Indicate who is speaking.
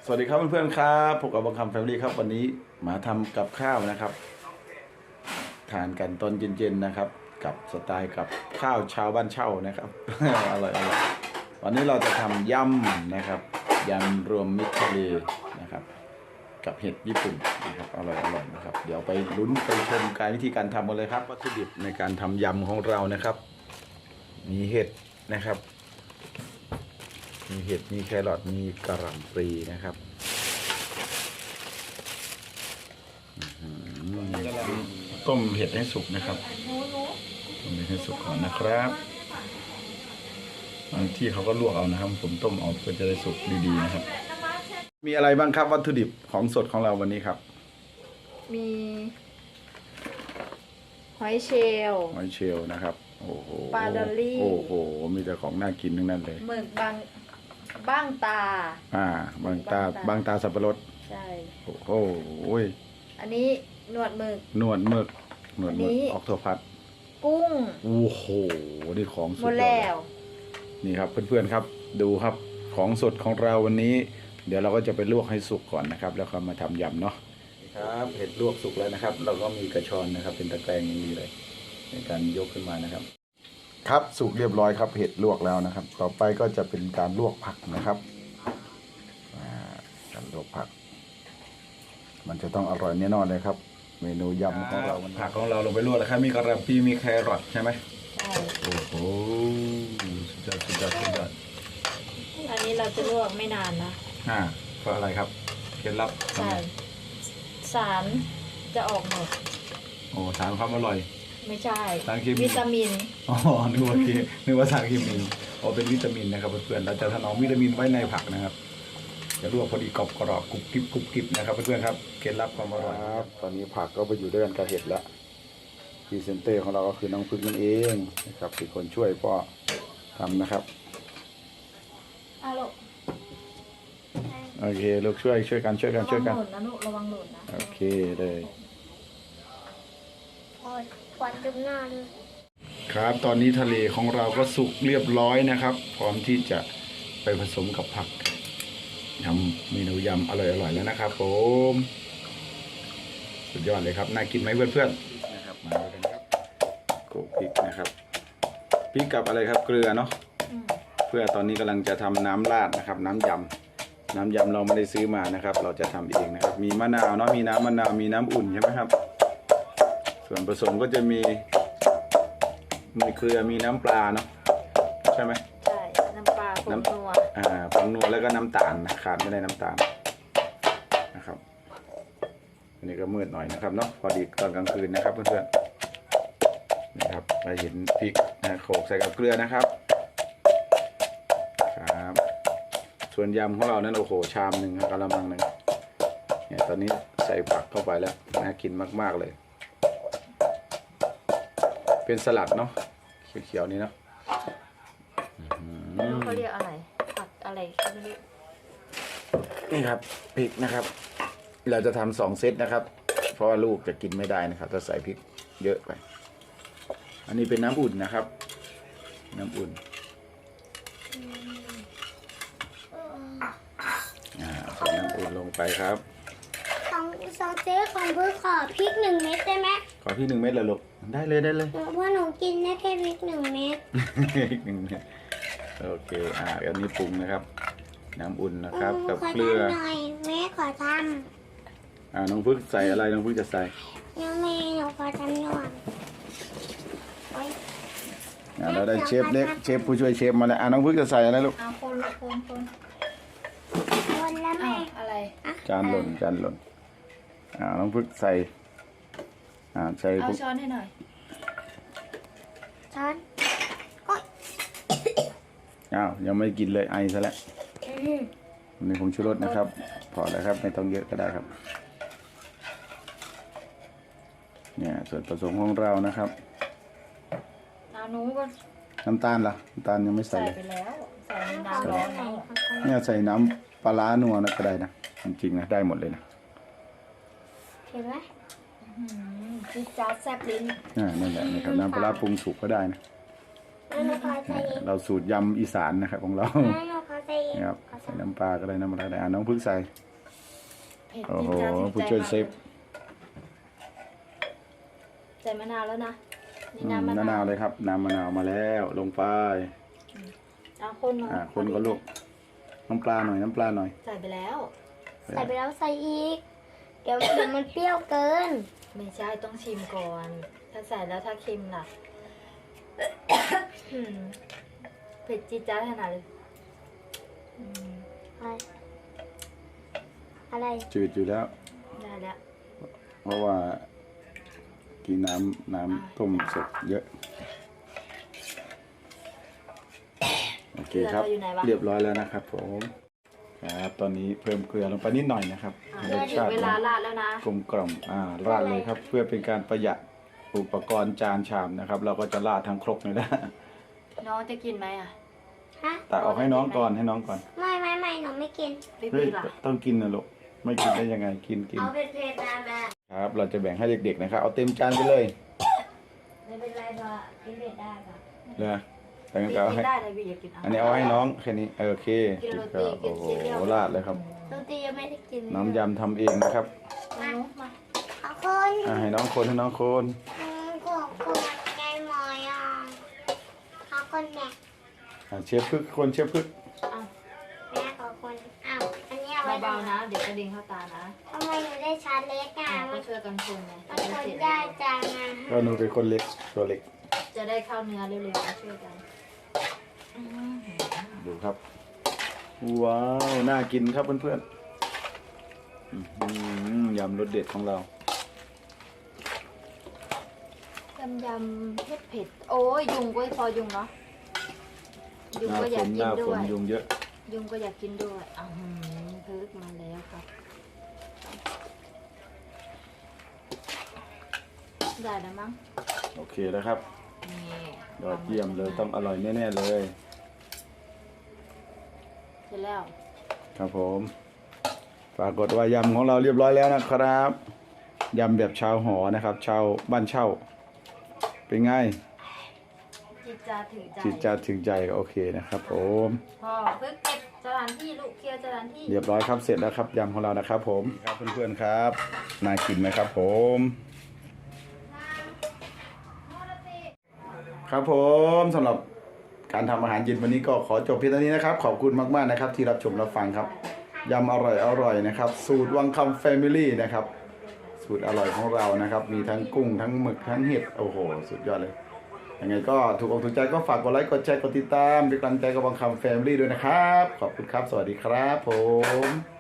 Speaker 1: สวัสดีครับเพื่อนๆครับพบกับบังคับแฟมิลี่ครับวันนี้มาทำกับข้าวนะครับทานกันตอนเย็นๆนะครับกับสไตล์กับข้าวชาวบ้านเช่านะครับ อร่อยวันนี้เราจะทำยำนะครับยำรวมมิตรทะเลนะครับกับเห็ดญี่ปุ่นนะครับอร่อยนะครับเดี๋ยวไปลุ้นไปชมการวิธีการทำกันเลยครับวัตถุดิบในการทำยำของเรานะครับ มีเห็ดนะครับมีเห็ดมีแครอทมีกระหล่ำปลีนะครับต้มเห็ดให้สุกนะครับต้มเห็ดให้สุกก่อนนะครับบางที่เขาก็ลวกเอานะครับผมต้มเอาเพื่อจะได้สุกดีๆนะครับมีอะไรบ้างครับวัตถุดิบของสดของเราวันนี้ครับ
Speaker 2: มีหอยเชลล์
Speaker 1: นะครับโอ้โห
Speaker 2: ปลาดอลลี่
Speaker 1: โอ้โหมีแต่ของน่ากินทั้งนั้นเลย
Speaker 2: หมึกบ้างตา
Speaker 1: บางตาสับปะรด
Speaker 2: ใช่
Speaker 1: โอ้โห
Speaker 2: อันนี้หนวดหมึก
Speaker 1: ออกตัวพัด
Speaker 2: กุ้ง
Speaker 1: โอ้โหนี่ของสด
Speaker 2: หมดแล้ว
Speaker 1: นี่ครับเพื่อนๆครับดูครับของสดของเราวันนี้เดี๋ยวเราก็จะไปลวกให้สุกก่อนนะครับแล้วก็มาทำยำเนาะครับเห็ดลวกสุกแล้วนะครับเราก็มีกระชอนนะครับเป็นตะแกรงอย่างนี้เลยในการยกขึ้นมานะครับครับสุกเรียบร้อยครับเห็ดลวกแล้วนะครับต่อไปก็จะเป็นการลวกผักนะครับการลวกผักมันจะต้องอร่อยแน่นอนเลยครับเมนูยำของเราผักของเราลงไปลวกแล้วครับมีกระหล่ำปลีมีแครอทใช่ไหม
Speaker 2: ใช่
Speaker 1: โอ้โหสุดยอด
Speaker 2: อันนี้เราจะลวกไม่นานนะ
Speaker 1: เพราะอะไรครับเคล็ดลับ
Speaker 2: ใช่สารจะออกหมด
Speaker 1: โอ้สารความอร่อย
Speaker 2: ไม่ใช่
Speaker 1: สารเคมี
Speaker 2: วิตามิน
Speaker 1: นึกว่าสารเคมีเป็นวิตามินนะครับเพื่อนๆเราจะถนอมวิตามินไว้ในผักนะครับจะลวกพอดีกรอบกรุบกริบนะครับเพื่อนๆครับเคล็ดลับความอร่อยครับตอนนี้ผักก็ไปอยู่ด้วยกันกับเห็ดแล้วพรีเซนเตอร์ของเราก็คือน้องพึ่งนั่นเองนะครับเป็นคนช่วยพ่อทำนะครับโอเคลูกช่วยกัน
Speaker 2: ระวังหล่นนะลูกระวังหล่นนะ
Speaker 1: โอเคเลย
Speaker 2: ควันจุ่มหน้าเลย
Speaker 1: ครับตอนนี้ทะเลของเราก็สุกเรียบร้อยนะครับพร้อมที่จะไปผสมกับผักทำเมนูยำอร่อยแล้วนะครับผมสุดยอดเลยครับน่ากินไหมเพื่อนๆนะครับมาดูกันครับโขลกพริกนะครับพริกกับอะไรครับเกลือเนาะเพื่อตอนนี้กำลังจะทำน้ำราดนะครับน้ำยำเราไม่ได้ซื้อมานะครับเราจะทำเองนะครับมีมะนาวเนาะมีน้ำมะนาวมีน้ำอุ่นใช่ไหมครับส่วนผสมก็จะมีเกลือมีน้ำปลาเนาะใช่ไหม
Speaker 2: ใช่น้ำปลาผงนัว
Speaker 1: ผงนัวแล้วก็น้ำตาลนะขาดไม่ได้น้ำตาลนะครับอันนี้ก็มืดหน่อยนะครับเนาะพอดีตอนกลางคืนนะครับเพื่อนๆนะครับเราเห็นพริกโขลกใส่กับเกลือนะครับครับส่วนยำของเรานั้นโอ้โหชามหนึ่งกะละมังหนึ่งเนี่ยตอนนี้ใส่ผักเข้าไปแล้วน่ากินมากๆเลยเป็นสลัดเนาะเขียวๆนี้เนาะ
Speaker 2: เขาเรียกอะไรผักอะไร
Speaker 1: นี่ครับพริกนะครับเราจะทำ2 เซตนะครับเพราะว่าลูกจะกินไม่ได้นะครับถ้าใส่พริกเยอะไปอันนี้เป็นน้ำอุ่นนะครับน้ำอุ่นใส่น้ำอุ่นลงไปครับ
Speaker 3: สองเจ๊ของเพื่อขอพริก1 เม็ดได้ไหม
Speaker 1: ขอพริก1 เม็ดเลยลูกได้เลย
Speaker 3: เพราะหนูกินได้แค่พริก1 เม็ด
Speaker 1: พริก1 เม็ดโอเคอันนี้ปรุงนะครับน้ำอุ่นนะครับกับเกลือ
Speaker 3: หน่อยแม่ขอท
Speaker 1: ำน้องพึ่งใส่อะไรน้องพึ่งจะใส่
Speaker 3: ยังแม่หนูขอทำหน่อย
Speaker 1: เราได้เชฟเล็กเชฟผู้ช่วยเชฟมาแล้วน้องพึ่งจะใส่อะไรลูก
Speaker 2: คน
Speaker 3: แล้วแม่
Speaker 2: อะไร
Speaker 1: จานหล่นน้องพึ่งใส่ใส่
Speaker 2: เอาช้อนให้หน่อย
Speaker 3: ช้อน
Speaker 1: ยังไม่กินเลยไอซะแล้วนี่ผงชูรสนะครับพอแล้วครับไม่ต้องเยอะก็ได้ครับเนี่ยส่วนผสมของเรานะครับน้ำตาลล่ะน้ำตาลยังไม่ใส่เลย
Speaker 2: ไปแล้วใส่น้ำร้อน
Speaker 1: เนี่ยใส่น้ำปลานัวนะก็ได้นะจริงๆนะได้หมดเลยนะ
Speaker 3: เห็นไหม
Speaker 2: จิ๊ดจ๊าดแซ่บลิ้น
Speaker 1: นั่นแหละนะครับน้ำปลาปรุงสุกก็ได้นะ
Speaker 3: แล้วหนูขอใส่อีก
Speaker 1: เราสูตรยำอีสานนะครับของเรา
Speaker 3: แล้วหนูขอใส่อีก
Speaker 1: นะครับใส่น้ำปลาก็ได้น้ำอะไรได้น้องพึ่งใส่
Speaker 2: เผ็ด
Speaker 1: โอ้
Speaker 2: จี๊
Speaker 1: โห
Speaker 2: ดจ๊าดถึง
Speaker 1: ผู้
Speaker 2: ใจ
Speaker 1: ช่วย
Speaker 2: มาก
Speaker 1: เซฟ
Speaker 2: ใส่มะนาวแล้วนะนี่
Speaker 1: อืม
Speaker 2: น้ำมะ
Speaker 1: มะนาน
Speaker 2: าว ว
Speaker 1: เลยครับน้ำมะนาวมาแล้วลงไป
Speaker 2: เอาคนหน่อย
Speaker 1: คนก็ลูกน้ำปลาหน่อยน้ำปลาหน่อย
Speaker 2: ใส่ไปแล้ว
Speaker 3: ใส่ไปแล้วใส่อีก เดี๋ยวมันเปรี้ยวเกิน
Speaker 2: ไม่ใช่ต้องชิมก่อน ถ้าใส่แล้วถ้าเค็มล่ะ อืมเผ็ดจี๊ดจ๊าดขนาดเลยอืม
Speaker 3: อะไร
Speaker 1: จืดอยู่แล้ว
Speaker 2: ได้แล้ว
Speaker 1: เพราะว่ากินน้ำต้มสดเยอะโอเคครับ
Speaker 2: เกลือเราอยู่ไหนวะ
Speaker 1: เรียบร้อยแล้วนะครับผมครับตอนนี้เพิ่มเกลือลงไปนิดหน่อยนะครับ
Speaker 2: อ่ะ
Speaker 1: ให้รส
Speaker 2: ถึ
Speaker 1: ชาง ติ
Speaker 2: เวลาราดแล้วนะ
Speaker 1: กลมกล่อมราดเลยครับ เพื่อเป็นการประหยัดอุปกรณ์จานชามนะครับ เราก็จะราดทั้งครกเลยนะ
Speaker 2: น้องจะกินไหมอ่ะ
Speaker 3: ฮะ
Speaker 1: ตักออกให้น้องก่อนให้น้องก่อน
Speaker 3: ไม่หนูไม่กิน
Speaker 2: ไม่
Speaker 1: เฮ้ย
Speaker 2: ปีล่ะ
Speaker 1: ต้องกินนะลูกไม่กินได้ยังไงกิน
Speaker 3: เอาเผ็ดๆนะแม่
Speaker 1: ครับ เราจะแบ่งให้เด็กๆนะครับเอาเต็มจานไปเลย
Speaker 3: ไม่เป็นไรพอกินเผ็ดได้ค่ะ
Speaker 1: เลยแต่งั้น
Speaker 2: กิ
Speaker 1: ก็เอา
Speaker 2: น
Speaker 1: ให้
Speaker 2: ได้เลยบีอยากกิน
Speaker 1: อันนี้เอาให้น้องแค่นี้โอเค
Speaker 2: กินโร
Speaker 1: ก็
Speaker 2: ตีกิ
Speaker 1: โอ้
Speaker 2: น
Speaker 1: โห
Speaker 2: ซีเรียล
Speaker 1: ราดเลยครับ
Speaker 3: ดนตรียังไม่ได้กิน
Speaker 1: น้ำยำทำเองนะครับ
Speaker 2: มานุมา
Speaker 3: ขอบคน
Speaker 1: ให้น้องคนให้น้องคน
Speaker 3: ขอบคนไงหมอยอ่ะขอบคนแม่
Speaker 1: เชฟพึกคนเชฟพึก
Speaker 2: เอา
Speaker 3: แม่ขอบคนอ้าวอันนี้เอาไว้
Speaker 2: เบาๆนะ เดี๋ยวกระดิ่งเข้าตานะ
Speaker 3: ทำไมหนูได้ชาเล็กอ่ะ
Speaker 2: อ่ะ
Speaker 3: มั
Speaker 2: ก็
Speaker 3: น
Speaker 2: ช่วยกันคนไง
Speaker 3: มัน
Speaker 2: จะ
Speaker 3: ค
Speaker 2: ได้
Speaker 3: น
Speaker 2: เสร็จ
Speaker 3: ได้จังอ่ะ
Speaker 1: ก็หนูเป็นคนเล็กตัวเล็ก
Speaker 2: จะได้เข้าเนื้อเร็วๆช่วยกันอืม
Speaker 1: ดูครับ ว้าวน่ากินครับเพื่อนๆยำรสเด็ดของเรา
Speaker 2: ยำเผ็ดๆโอ้ยยุงก็พอยุงเนาะยุง
Speaker 1: หน้า
Speaker 2: ก็อ
Speaker 1: ฝ
Speaker 2: ยาก
Speaker 1: นห
Speaker 2: กิน
Speaker 1: น้า
Speaker 2: ด้
Speaker 1: ฝ
Speaker 2: วน ย
Speaker 1: ยุงเยอะ
Speaker 2: ยุงก็อยากกินด้วยอือหือพึกมาแล้วครับได้แล้วมั้ง
Speaker 1: โอเคแล้วครับ
Speaker 2: นี่
Speaker 1: ยอดเยี่ยมเลยต้องอร่อยแน่ๆเลย
Speaker 2: เสร็จแล้ว
Speaker 1: ครับผมปรากฏว่ายำของเราเรียบร้อยแล้วนะครับยำแบบชาวหอนะครับ ชาวบ้านเช่า เป็นไง
Speaker 2: จิตจาถือใจ
Speaker 1: จิตใจถึงใจโอเคนะครับ ผม
Speaker 2: พ่อพึกเก็บสถานที่ลูกเคลียร์สถานที่
Speaker 1: เรียบร้อยครับเสร็จแล้วครับยำของเรานะครับ ผมครับเพื่อนๆครับน่ากินไหมครับ ผม ครับผมสำหรับการทำอาหารเย็นวันนี้ก็ขอจบเพียงเท่านี้นะครับ ขอบคุณมากๆนะครับ ที่รับชมรับฟังครับยำอร่อยนะครับ สูตรวังคำแฟมิลี่นะครับ สูตรอร่อยของเรานะครับ มีทั้งกุ้งทั้งหมึกทั้งเห็ดโอ้โหสุดยอดเลยยังไงก็ถูกอกถูกใจก็ฝากกดไลค์กดแชร์กดติดตามเป็นกำลังใจกับวังคำแฟมิลี่ด้วยนะครับ ขอบคุณครับ สวัสดีครับผม